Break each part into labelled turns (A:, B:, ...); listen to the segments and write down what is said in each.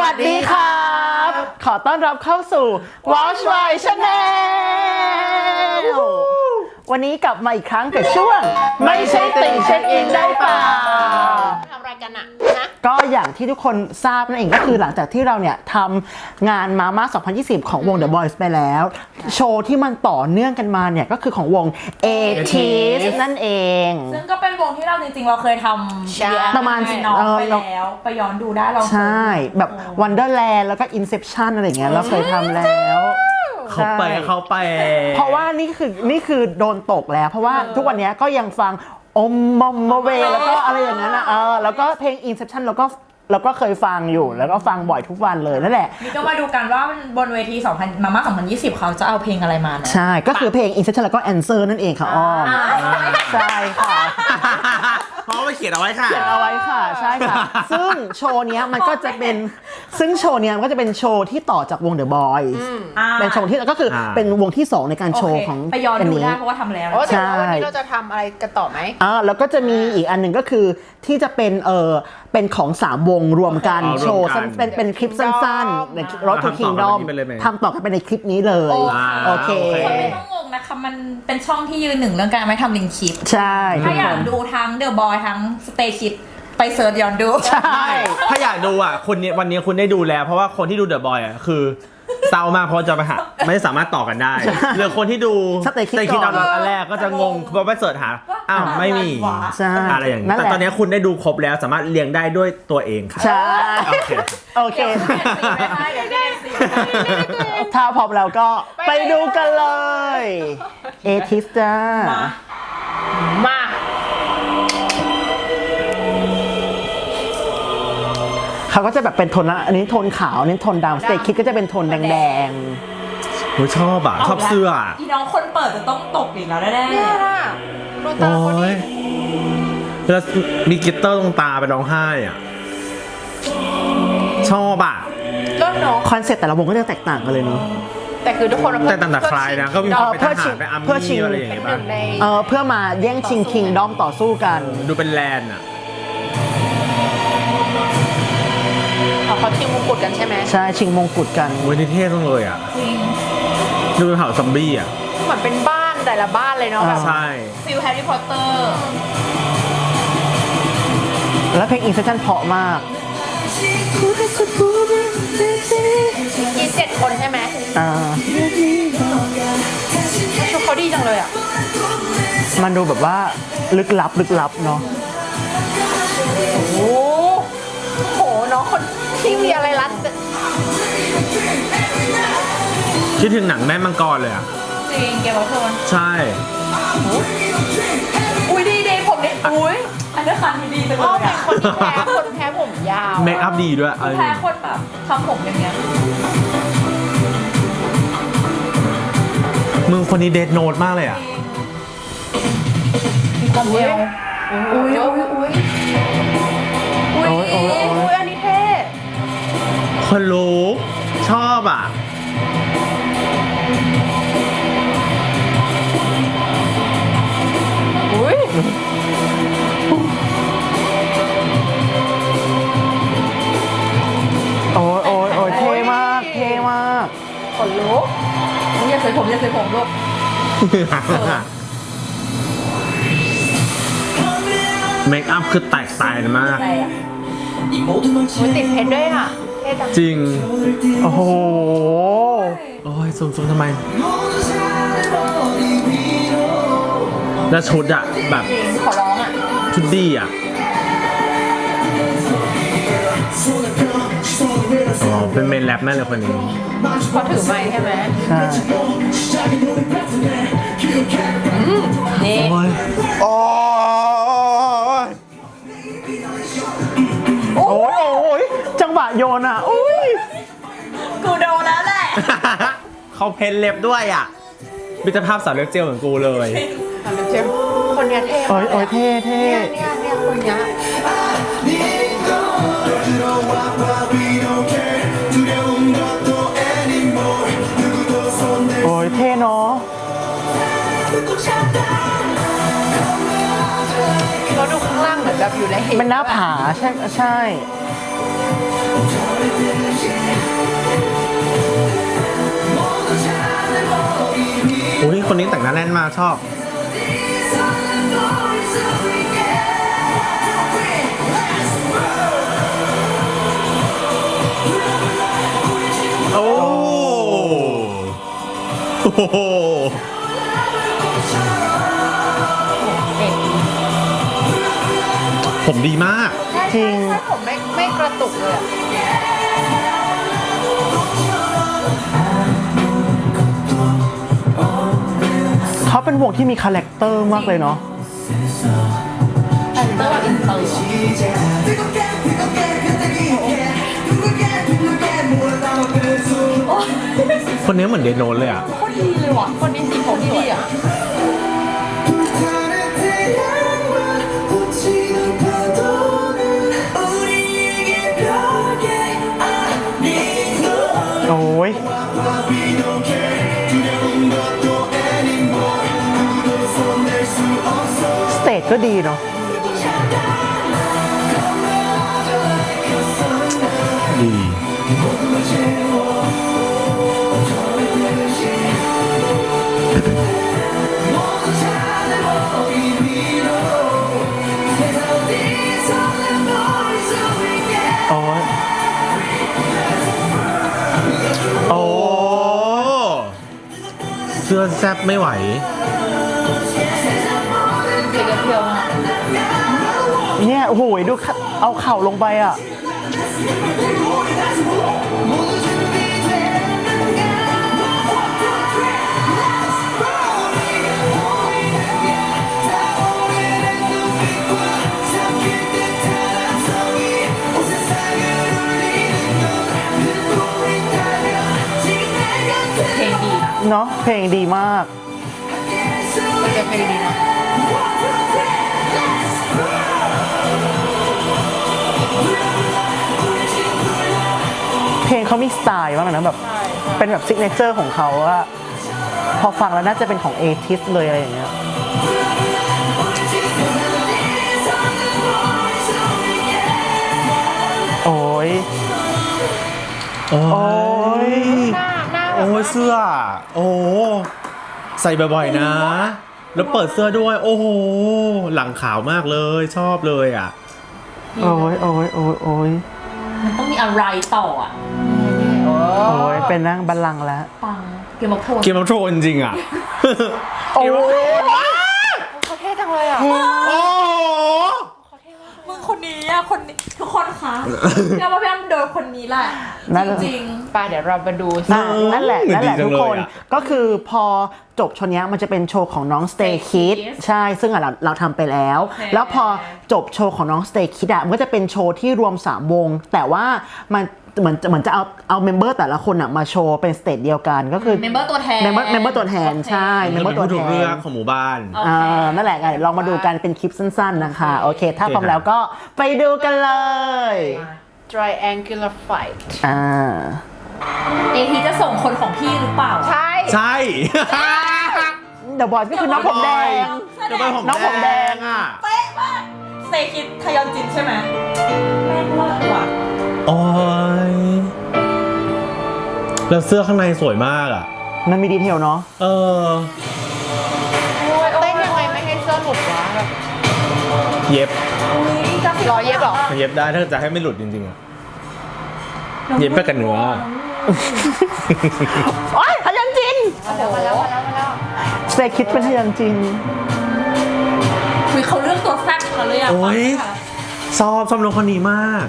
A: วัสดีครับขอต้อนรับเข้าสู่ Watch My Channel วันนี้กลับมาอีกครั้งกับช่วงไม่ใช่ติ่งเช็คอินได้เปล่า
B: ทำอะไรกันอะนะ
A: ก็อย่างที่ทุกคนทราบนั่นเองก็คือหลังจากที่เราเนี่ยทำงานมาม่า2020 ของวง The Boys ไปแล้ว โชว์ที่มันต่อเนื่องกันมาเนี่ยก็คือของวง ATEEZ นั่นเอง
C: ซึ่งก็เป็นวงที่เราจริงๆเราเคยทำ
A: ประมาณ
C: น้องไปแล้วไปย้อนดูได้เรา
A: ใช่แบบ Wonderland แล้วก็ Inception อะไรอย่างเงี้ยเราเคยทำแล้ว
D: เขาไป
A: เพราะว่านี่คือโดนตกแล้วเพราะว่าทุกวันนี้ก็ยังฟังอมมอมมเวแล้วก็อะไรอย่างนั้นนะแล้วก็เพลง Inception เราก็เคยฟังอยู่แล้วก็ฟังบ่อยทุกวันเลยนั่นแหละ
C: นี่ก็มาดูกันว่าบนเวทีมาม่า2020เขาจะเอาเพลงอะไรมานะ
A: ใช่ก็คือเพลง Inception แล้วก็ Answer นั่นเองค่ะอ้อมใช่ค่ะ
D: เพราะว่าเขียนเอาไว้ค่ะ
A: ใช่ค่ะซึ่งโชว์เนี้ยมันก็จะเป็นโชว์ที่ต่อจากวง The Boys เป็นโชว์ที่ก็คือเป็นวงที่2ในการโชว์ของ
C: ไปย้อนดูได้เพราะว่าทำแล้ว
B: ใช่วันนี้เราจะทำอะไรกันต่อไหม
A: แล้วก็จะมีอีกอันหนึ่งก็คือที่จะเป็นของ3วงรวมกันโชว์เป็นคลิปสั้นๆในRoad to Kingdom ทำต่อกันไปในคลิปนี้เลยโอเค
C: คนไม่ต้องงงนะคะมันเป็นช่องที่ยืนหนึ่งเรื่องการไม่ทำลิงก์คลิป
A: ใช่
C: ถ้าอยากดูทั้ง The Boy ทั้ง Stay Kids ไปเสิร์ชย้อนดู
A: ใช่
D: ถ้าอยากดูอ่ะวันนี้คุณได้ดูแล้วเพราะว่าคนที่ดู The Boy อ่ะคือเศร้ามากเพราะจะไปหาไม่สามารถต่อกันได้หรือคนที่ดู
A: Stay Kids
D: ตอนแรกก็จะงงเพราะไปเสิร์ชหาอ้าวไม่มีอะไรอย่างนี้แต่ตอนนี้คุณได้ดูครบแล้วสามารถเรียงได้ด้วยตัวเองค่ะ
A: ใช่โอเคถ้าพร้อมแล้วก็ไปดูกันเลยATEEZจ้า
B: มา
A: เขาก็จะแบบเป็นโทนละอันนี้โทนขาวอันนี้โทนดำStay Kidsก็จะเป็นโทนแดง
D: โอ้ชอบเสื้อ
C: อีน้องคนเปิดจะต้องตกอีกแล้วแน่ๆ
B: โดนตาคนนี้
D: แล้วมีกลิตเตอร์ตรงตาไปร้องไห้อ่ะชอบ
B: เริ่มเนาะ
A: คอนเซ็ปต์แต่ละวงก็จะแตกต่างกันเลยเนาะ
B: แต่คือทุกคน
D: แต่ต่างคลายนะก็มีความเป็นทหารไป
A: เพื่อชิง
D: อะไรอย่างเงี้ยบ้าง
A: เพื่อมาแย่งชิงคิงดอมต่อสู้กัน
D: ดูเป็นแลนด์อ่ะ
B: เขาชิงมงกุฎกันใช่ไหม
A: ใช่ชิงมงกุฎกัน
D: โอ้ยนี่เท่จังเลยอ่ะดูเป็นเผ่าซอมบี้อ่ะ
B: เหมือนเป็นบ้านแต่ละบ้านเลยเนาะแบบ
D: ใช่
C: ฟิลแฮร์รี่พอตเตอร์
A: แล้วเพลง Inception เพราะมาก
B: มี7 คนใช่ไหมชุดเขาดีจังเลยอ่ะ
A: มันดูแบบว่าลึกลับเนาะ
B: โอ้โหน้องคนที่มีอะไรรัด
D: คิดถึงหนังแม่มังกรเลยอ่ะ
C: จริงเกมof Thrones
D: ใช่
C: อุ้ยดีผมเนี่ยอุ้ยอันนี้คันดีจังเลยอ่ะ
B: คนแพ้ผมยาว
D: เมคอัพดีด้วย
C: แพ้คนแบบทำผมอย่างเงี้ย
D: มึงคนนี้เดดโนดมากเลยอ่ะ
C: มีความเอวอุ้ยอันนี้เท่
D: คนลุกชอบอ่ะ
A: อุ้ยโอ้ยเท่มาก
C: คนลุกอย่าใส่ผมลูก
D: เมคอัพคือแตกต่างมาก
B: มันติดเพชรด้วยอ่ะ
D: จริง
A: โอ้โห
D: โอ้ยซูมทำไมแล้วชุดอะแบบ
C: ขอร้องอะ
D: ชุดดีอะเป็นเมนแรปแม่เลยคนนี้
B: เขาถือไมค์ใช่ไหม
A: ใช่
B: นี่
A: โอ้ยจังหวะโยนอ่ะอุ้ย
C: กูโดนแล้วแหละ
D: เขาเพ้นเล็บด้วยอ่ะมิตรภาพสาวเล็บเจลเหมือนกูเลย
B: สาวเล็บเจลคนนี้เท่
A: โอ้ยเท่
B: เนี่ยคนนี้
A: โอ้ยเท่เนาะ
B: เขาดูข้างล่างเหมือนแบบอยู่ใน
A: เป็นหน้าผาใช่
D: มาชอบโอ้โหผมดีมาก
A: จริง
B: ใช่ผมไม่กระตุกเลยอะ
A: เขาเป็นวงที่มีคาแรคเตอร์มากเลยเนาะ
B: เตอร์แบบอินเตอร์
D: คนนี้เหมือนเดนโนนเลยอ่ะ
B: โคตรดีเลยว่ะคนนี้สีผมดีอ่ะ
A: โอ้ยสเตจก็ดีเนาะ
D: ดี
A: โอ้ยโอ้
D: โอ้เสื้อแซบไม่ไหว
B: เพียวๆมาก
A: เนี่ยโอ้โหดูเอาเข่าลงไปอ่ะ
B: เพลงดีนะ
A: เนาะเพลงดีมาก
B: จะเพลงดีนะ
A: เพลงเขามีสไตล์มากเลยนะแบบเป็นแบบซิกเนเจอร์ของเขาอะพอฟังแล้วน่าจะเป็นของเอทิสเลยอะไรอย่างเงี้ยโอ้ย
D: โอ้
A: โอ้ย
B: หน้าแบบ
D: โอ้ยเสื้อ โอ้ใส่บ่อยๆนะ แล้วเปิดเสื้อด้วย โอ้โห หลังขาวมากเลย ชอบเลยอ่ะ
A: โอ้ยโอ้ยโอ้ยโอ้ย
C: มันต้องมีอะไรต่ออ่ะ
B: โอ้
A: โอ้ยเป็นนั่งบัลลังก์แล้ว
C: ปังเกมof
D: เกมอัพโทนจริงอ่ะ
A: โอ้ย
B: เขาเท่จังเลยอ่ะ
D: โอ้โห
C: มึงคนนี้อ่ะคนนี้ทุกคนคะพี่ว่าพี่อ้ำโดนคนนี้แหละ
A: นั่น
C: จริง
B: ไปเดี๋ยวเรามาดู
A: นั่นแหละนั่นแหละ
D: ดีจั
A: ทุ
D: ง
A: ก
D: เลย
A: คน
D: อะ
A: ก็คือพอจบโชว์เนี้ยมันจะเป็นโชว์ของน้อง Stay Kids ใช่ซึ่งเราทำไปแล้ว แล้วพอจบโชว์ของน้อง Stay Kids มันก็จะเป็นโชว์ที่รวม 3 วง แต่ว่ามันเหมือนจะเอาเมมเบอร์แต่ละคนมาโชว์เป็นสเตจเดียวกันก็คือ
C: เมมเบอร์ตัวแทน
A: เมมเบอร์ตัวแทนใช่เมมเบอร์ตัว
D: ถู
A: แท
D: กเรื่อง
A: น
D: ของหมู่บ้าน
C: โอเค
A: นั่นแหละไงลองมาดูกันเป็นคลิปสั้นๆนะคะโอเค ถ้า
D: โอเค
A: พร้อมแล้วก็ไปดูกันเลย
B: triangular fight
C: เอทีจะส่งคนของพี่หรือเปล่า
B: ใช่
D: ใช่
A: เดอะบอยก็คือน้องผมแดง
D: จะไปผม
A: น้องผมแดง
D: อ่ะ
C: เป๊ะมากเซคิดทยอนจินใช่ไหมแม่งเลิศว่ะ
D: โอ้ยแล้วเสื้อข้างในสวยมากอ่ะ
A: มันมีดีเทลเนาะ
D: เออ
B: เต้นยังไงไม่ให้เสื้อหลุดวะแบบ
D: เย็บ
B: รอยเย็บเหรอ
D: เย็บได้ถ้าจะให้ไม่หลุดจริงๆอ่ะ เย็บไปกับเนื้อ
A: โอ๊ยทยันจิน
B: มาแล้ว
A: สเตคิดเป็นทยันจิน
C: คุยเขาเรื่องตัวแซ่บเขาเลยอ่ะ
D: โอ้ย ชอบน้องคนนี้มาก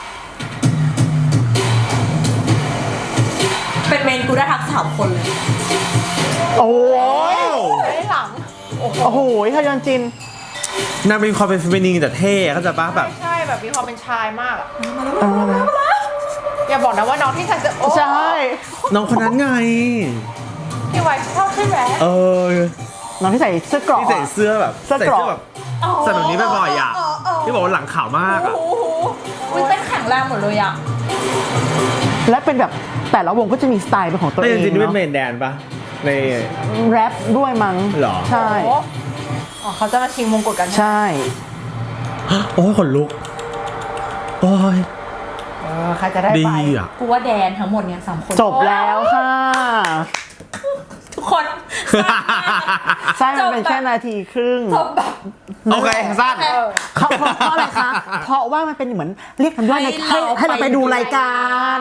C: เป็นเมนกูได้ทัก3 คนเลย
A: โอ้ย
B: ไม่ได้หลัง
A: โอ้โหทยันจิน
D: นางเป็นความเป็นเฟมินีนแต่เท่เขาใจะป้าแบบ
B: ใช่แบบมีความเป็นชายมากอะอย่าบอกนะว่าน้องที่ฉันจะโอ้
A: ใช่
D: น้องคนนั้นไง
B: พี่ไวชอบใช่ไหม
D: เออ
A: น้องที่ใส่เสื้อเกราะ
D: ที่ใส่เสื้อแบบ
A: เสื้อเกราะ
D: แบบใส่แบบนี้บ่อยๆอ่ะ ที่บอกว่าหลังขาวมากอ่ะ
C: โอ้โหอุ้ยเต้นแข็งแรงหมดเลยอ่ะ
A: และเป็นแบบแต่ละวงก็จะมีสไตล์เป็นของตัว
D: แต่
A: เอ
D: จ
A: ง
D: ริงๆนี่เป็นเม
A: เนาะ
D: นแดนปะใน
A: แรปด้วยมั้ง
D: หรอ
A: ใช่
B: อ๋อเขาจะมาชิงมงกุฎกัน
A: ใช่
D: โอ้ยขนลุก โอ้ย
B: ใครจะได้
D: ดี
B: ไป
D: อ่ะ
C: กูว่าแดนทั้งหมดเนี่ย3 คน
A: จบแล้วค่ะ
C: ทุกคน
A: ใช่มันเป็นแค่นาทีครึ่ง
C: จบแบบ
D: โอเคสั้น
A: เพราะอะไรคะ เพราะว่ามันเป็นเหมือนเรียกกันว่าให้เราไปดูรายการ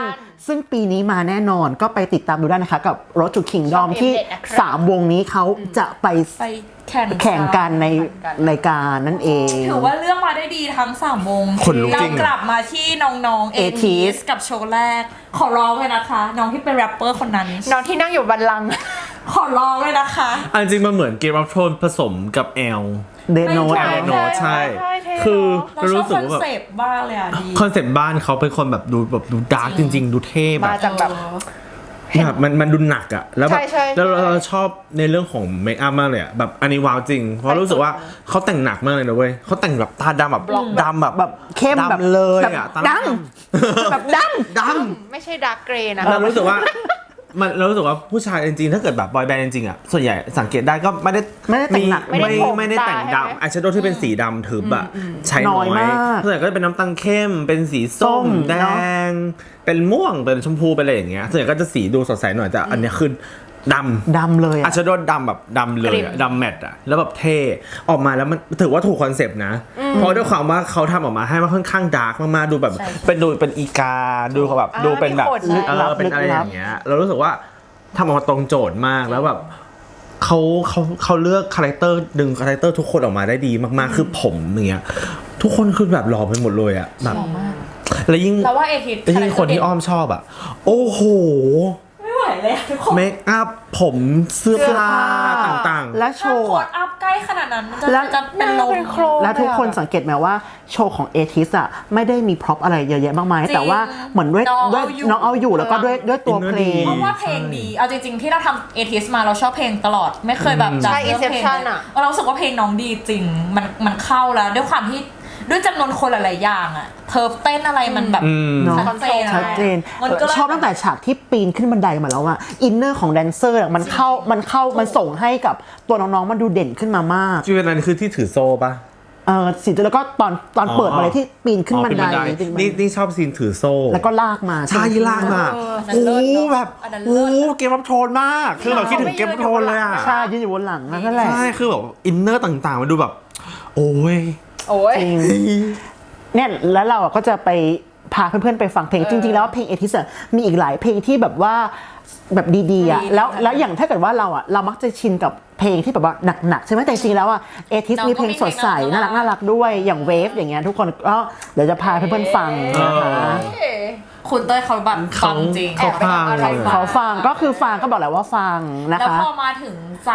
A: ซึ่งปีนี้มาแน่นอนก็ไปติดตามดูได้นะคะกับ Road to Kingdom ที่ 3 วงนี้เขาจะไป แข่งกันในรายการนั่นเอง
C: ถือว่าเลือกมาได้ดีทั้ง3 วง
D: ขนลุกจริง
C: เรากลับมาที่น้องๆเอทีสกับโชว์แรก ขอร้องเลยนะคะ น้องที่เป็นแรปเปอร์คนนั้น
B: น้องที่นั่งอยู่บัลลังก์
C: ขอร้องเลยนะคะ
D: อันจริงมันเหมือนเกมรับโทนผสมกับแอล
A: เดนโน
C: ไม่ใช่
D: โนใช่
B: เท่เนอะ
D: คือ
C: เรา
D: เรา
C: ชอบ
D: รู้สึ
C: ค
D: ก
C: อน
D: ว่า
C: เซปต์บ้างเลยอ่ะดี
D: คอนเซ็ปต์บ้านเขาเป็นคนแบบดูดาร์กจริง ๆ ดูเท่แบ
B: มา
D: บ
B: จากแบบ
D: แบบมันดูหนักอะแล้วแบบ
B: ใช่
D: แล้วเราชอบในเรื่องของเมคอัพมากเลยอะแบบอันนี้ว้าวจริง เพราะรู้สึกว่าเขาแต่งหนักมากเลยนะเว้ยเขาแต่งแบบตาดำแบบดำแบบ
A: แบบเข้มแบบ
D: ดำเลย
A: แบบ
D: อะตา
A: ดำแบบดำ
D: ด
B: ไม่ใช่ดาร์กเกรย์นะ
D: ำเรารู้สึกว่าเรารู้สึกว่าผู้ชายจริงๆถ้าเกิดแบบบอยแบนด์จริงๆอะส่วนใหญ่สังเกตได้ก็ไม่ได้
A: ไม่ได้แต่งหนัก
B: ไม่ได้ผม
D: ไม่ได้แต่ง
B: ตาใช่ไหม
D: ดำอายแชโดว์ที่เป็นสีดำทึบอะใช้น้
A: น้
D: อ
A: อย
D: ย
A: มาก
D: ส่วนใหญ่ก็จะเป็นน้ำตาลเข้มเป็นสีส้
A: ส้
D: ม
A: ม
D: แด
A: เนอะ
D: งเป็นม่วงเป็นชมพูเป็นอะไรอย่างเงี้ยส่วนใหญ่ก็จะสีดูสดใสหน่อยแต่อันเนี้ยคือดำ
A: ดำเลย
D: อา
A: อะ
D: ชโดดำแบบดำเลย
B: กริ
D: อะ
B: ม
D: ดำแมทอะแล้วแบบเท่ออกมาแล้วมันถือว่าถูกคอนเซปต์นะ เพราะด้วยความว่าเขาทำออกมาให้มันค่อนข้างดาร์กมากๆดูแบบเป็นอีกาดูเขาแบบดูเป็นแบบ
B: มีขน
D: เป็นอะไรอย่างเงี้ยเรารู้สึกว่าทำออกมาตรงโจทย์มากแล้วแบบเขาเลือกคาแรคเตอร์ดึงคาแรคเตอร์ทุกคนออกมาได้ดีมากๆคือผมอย่างเงี้ยทุกคนคือแบบหล่อไปหมดเลยอะแบบแล้วยิ่ง
C: เราว่าเอทีส
D: ยิ่งคนที่อ้อมชอบอะโอ้โห
C: ไม่ไหวเลยอะทุกคน
D: เมคอัพผมเสื้อผ้าต่างๆ
A: และโช
C: ถ้า
A: ว์
C: โค
A: อะ
C: ดอัพใกล้ขนาดนั้นมัน
A: แล้ว
C: จะเป็นลม
B: เป็นโครง
A: แล้วทุกคนสังเกตไหมว่าโชว์ของเอทิสอะไม่ได้มีพร็อพอะไรเยอะแยะมากมาย
C: จริง
A: แต่ว่าเหมือนด้วย
C: น้องเอาอยู่
A: แล้วก็ด้วยตัวเพลง
C: เพราะว่าเพลงดี เอาจริงๆที่เราทำเอทีสมาเราชอบเพลงตลอด ไม่เคยแบบจำ
B: ใช่
C: เนื้อเพลง
B: Inception อะ
C: เรารู้สึกว่าเพลงน้องดีจริง มันเข้าแล้วด้วยความที่ด้วยจำนวนคนหลายๆอย่างอะเธอเต้นอะไรมันแบบ
A: เนอะ
C: ชัดเจนอะ
A: ชัดเจน
C: มันก็เลย
A: ชอบตั้งแต่ฉากที่ปีนขึ้นบันไดมาแล้วอะอินเนอร์ของแดนเซอร์อะมันส่งให้กับตัวน้องๆมันดูเด่นขึ้นมามาก
D: จีเวนันคือที่ถือโซ่ปะ
A: สิแล้วก็ตอนเปิดมาเลยที่ปีนขึ้นบันไดปีนบันได
D: นี่ชอบซีนถือโซ่
A: แล้วก็ลากมา
D: ใช่ลากมา
C: อันนั้น
D: โอ้
C: เลิศเนอะ
D: แบบ
C: อันนั้น
D: โอ้
C: เลิศ
D: เกมรับโทนมากคือแบบคิดถึงเกมรับโทนเลยอ่ะ
A: ใช่ยืนอยู่บนหลังนั่นแหละ
D: ใช่คือแบบอินเนอร์ต่างๆมันดูแบบ โอ้ย
B: โอ้ย
A: จริงเนี่ยแล้วเราอะก็จะไปพาเพื่อนๆไปฟังเพลงจริงๆแล้วเพลงเอทิสมีอีกหลายเพลงที่แบบว่าแบบดีๆอะแล้วอย่างถ้าเกิดว่าเรามักจะชินกับเพลงที่แบบว่าหนักๆใช่ไหมแต่จริงๆแล้วอะเอทิสมีเพลงสดใสน่ารักด้วยอย่างเวฟอย่างเงี้ยทุกคนก็เดี๋ยวจะพาเพื่อนๆฟังนะคะ
C: คุณเต้ยเขาแบบฟังจริง
D: เขาฟัง
B: แอบไปทำอะไรมา
A: เขาฟังก็คือฟังก็บอกแล้วว่าฟังนะ
C: แล้ว
A: คะ
C: พอมาถึง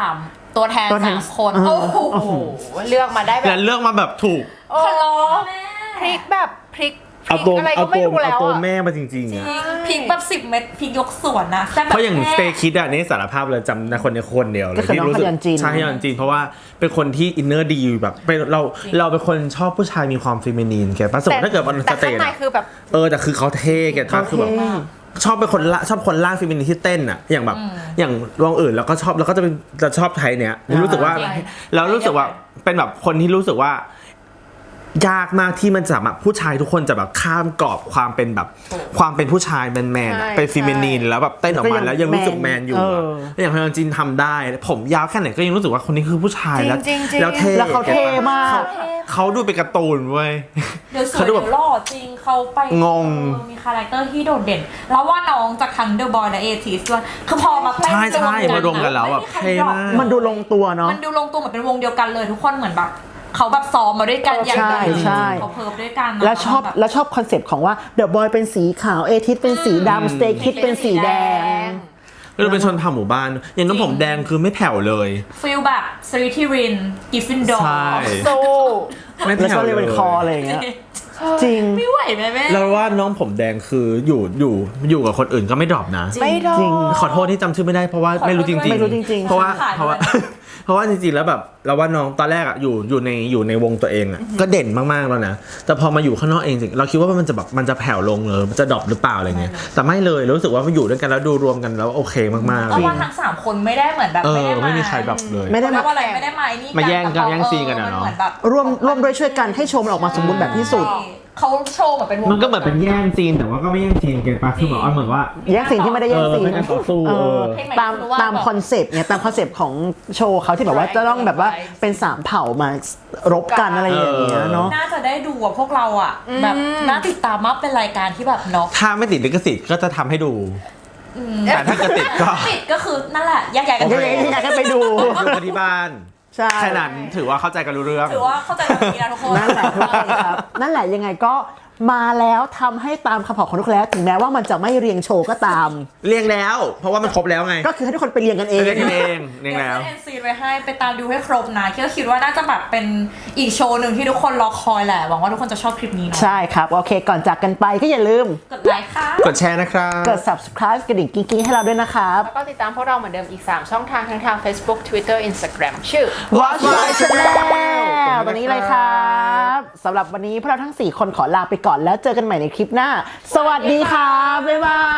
C: 3ตัวแทน
A: ตัวแทน
C: 3 คนโอ้โห
B: เลือกมาได้แบ
D: และ
B: บ
D: เลือกมาแบบถูก
B: โอ้
C: ขอร้องแม่
B: พริกแบบพริก
D: เอาตัว
B: อะไร
D: เอา
B: ก็ไม่
D: ตัว
B: รู้แล้ว
D: เอาตัว
B: อะ
D: แม่มาจริงๆอ่ะ
C: พริกแบบ10 เม็ดพริกยกสวนนะแต่แบบ
D: เพราะอย่าง
C: แม่
D: สเตคิดอ่ะนี่สารภาพเลยจำในคนในคนเดียวเลย
A: ก็คือน้อง
D: รู้สึ
A: ฮยอนจิน
D: ใช่ฮยอนจินเพราะว่าเป็นคนที่อินเนอร์ดีแบบเป็นเราเป็นคนชอบผู้ชายมีความเฟมินีนแกป่ะสมมติถ้าเกิดมัน
B: แต่
D: สเต
B: ข้าง
D: จ
B: ใน
D: อะ
B: คือแบบ
D: แต่คือเขาเท่แกป่ะคือแบบ ชอบเป็นคนชอบคนล่างฟิมินินที่เต้นอ่ะอย่างแบบอย่างวงอื่นแล้วก็ชอบแล้วก็จะชอบไทยเนี้ยรู้สึกว่า
C: จริง
D: แล้วรู้สึกว่าเป็นแบบคนที่รู้สึกว่ายากมากที่มันจะแบบผู้ชายทุกคนจะแบบข้ามกรอบความเป็นแบบความเป็นผู้ชายแมนๆอะ
B: ใช่
D: เป็นฟิมินีนแล้วแบบเต้นออกมาแล้วยังรู้สึกแมนอยู่อะอย่างพยองจินทำได้ผมยาวแค่ไหนก็ยังรู้สึกว่าคนนี้คือผู้ชายแล้ว
B: จริงๆ
D: แล้วเท่
A: แล้วเขาเท่มาก
D: เขาดูเป็นการ์ตูนเว้ย
C: เดี๋ยวสวย
D: เขาดู
C: เดี๋
D: แบบ
C: ยวหล่อจริงเขาไป
D: งง
C: มีคาแรคเตอร์ที่โดดเด่น แล้วว่าน้องจากทั้งเดอะบอยและเอทีสด้วยคือพอมาเต้น
D: ใช่มารวมกันแล้วแบบ
C: ไม่มีใคร
D: เท่มาก
A: มันดูลงตัวเนาะ
C: มันดูลงตัวเหมือนเป็นวงเดียวกันเลยทุกคนเหมือนแบบเขาแบบซ้อมมาด้วยกันอย่าง
A: ใช่
C: ดี
A: ใช่
C: เขาเพิร์ฟด้วยกันนะ
A: แล้วชอบคอนเซปต์ของว่าเดอะบอยเป็นสีขาวเอทิสเป็นสีดำสเตคิดเป็นสีแดง
D: ก็เลยเป็นชนเผ่าหมู่บ้าน อย่างน้ำผมแดงคือไม่แผ่วเลย
C: ฟีลแบบสลิทิรินกิฟฟินดอร์
D: ใช่
B: สู้
D: ไม่
A: แล้ว
D: แผ่
A: ก็
D: ว
A: เล
D: เลย
A: เป็นคออะไรอย่างเงี้ยจริง
C: ไม่ไหวแม่แม่
D: แล้วว่าน้องผมแดงคืออยู่กับคนอื่นก็ไม่ดรอปนะ
B: ไม่ดอ
A: จริง
D: ขอโทษที่จำชื่อไม่ได้เพราะว่าไม่รู้จริง
A: ไม่รู้จริงๆ
D: เพราะว่าเพราะว่าจริงๆแล้วแบบเราว่าน้องตอนแรกอ่ะอยู่ในวงตัวเองอ่ะก็เด่นมากๆแล้วนะแต่พอมาอยู่ข้างนอกเองจริงเราคิดว่ามันจะแผ่วลงเลยมันจะดรอปหรือเปล่าอะไรเงี้ยแต่ไม่เลยรู้สึกว่ามาอยู่ด้วยกันแล้วดูรวมกันแล้วโอเคมากๆ
C: เพราะว่าทั้ง3คนไม่ได้เหมือนแบบไม่ได้มา
D: ไม่มีใครดรอปเลย
A: ไม่ได้
C: เรี
A: มาย
C: กว่าอะไรไม่ได้มาไอ้นี่
D: มาแย่งกัน
C: ต่พอ
D: แย่งซีนกันอะเนอะ
C: มัเหมือนแบบ
A: ร่วมด้วยช่วยกันให้โชว์มันออกมาสมบูรณ์แบบที่สุด
C: เขาโชว์เหมือนเป็นวง
D: มันก็เหมือนเป็นแย่งซีนแต่ว่าก็ไม่แย่งซีนเกินไปคือเหมือนว่า
A: แย่งซีนที่ไม่ได้แย่งซีน
D: เป็นการต่อสู้
C: เพลงใหม่
A: ตาม
C: คือว่า
A: ตามคอนเซปต์เนี่ยตามคอนเซปต์ของโชว์เขาที่แบบว่าจะต้องแบบว่าเป็นสามเผ่ามารบกันอะไรอย่างเงี้ยเนาะ
C: น่าจะได้ดูอะพวกเราอะแบบน่าติดตามมากเป็นรายการที่แบบเนาะ
D: ถ้าไม่ติดลิขสิทธิ์ก็จะทำให้ดู แต่ถ้าเกิดติดก็
C: ติดก็คือนั่นแหละแยกย้ายกัน
D: โอ
C: ไป
D: เค
A: อยากให้ไปดู
D: ดูกันที่บ้าน
A: ใช่
D: แค่นั้นถือว่าเข้าใจกันรู้เรื่อง
C: ถือว่าเข้าใจกันดีนะทุกคน
A: นั่นแหละทุกคนครับ นั่นแหละยังไงก็มาแล้วทำให้ตามคำบอกของทุกคนแล้วถึงแม้ว่ามันจะไม่เรียงโชว์ก็ตาม
D: เรียงแล้ว เพราะว่ามันครบแล้วไง
A: ก็คือให้ทุกคนไปเรียงกันเอง
D: เรียงกันเองเรียง
C: เดี๋ยว
D: แล้ว
C: ขึ้นเอ็นซีไว้ให้ไปตามดูให้ครบนะก็คิดว่าน่าจะแบบเป็นอีกโชว์หนึ่งที่ทุกคนรอคอยแหละหวังว่าทุกคนจะชอบคลิปนี้เนาะ
A: ใช่ครับ โอเค ก่อนจากกันไปก็อย่าลืม
C: กดไลค์ค่ะ
D: กดแชร์นะครับ
A: กด subscribe กระดิ่งกิ๊งๆให้เราด้วยนะครับ
B: แล้วก็ติดตามพวกเราเหมือนเดิมอีก 3 ช่องทางทั้งทาง Facebook Twitter Instagram ชื่อ
A: Watch My Channel ตรงนี้เลยครับสำหรับวันนี้พวกเราทั้ง 4 คนขอลาไปก่อนแล้วเจอกันใหม่ในคลิปหน้า สวัสดีครับ บ๊ายบาย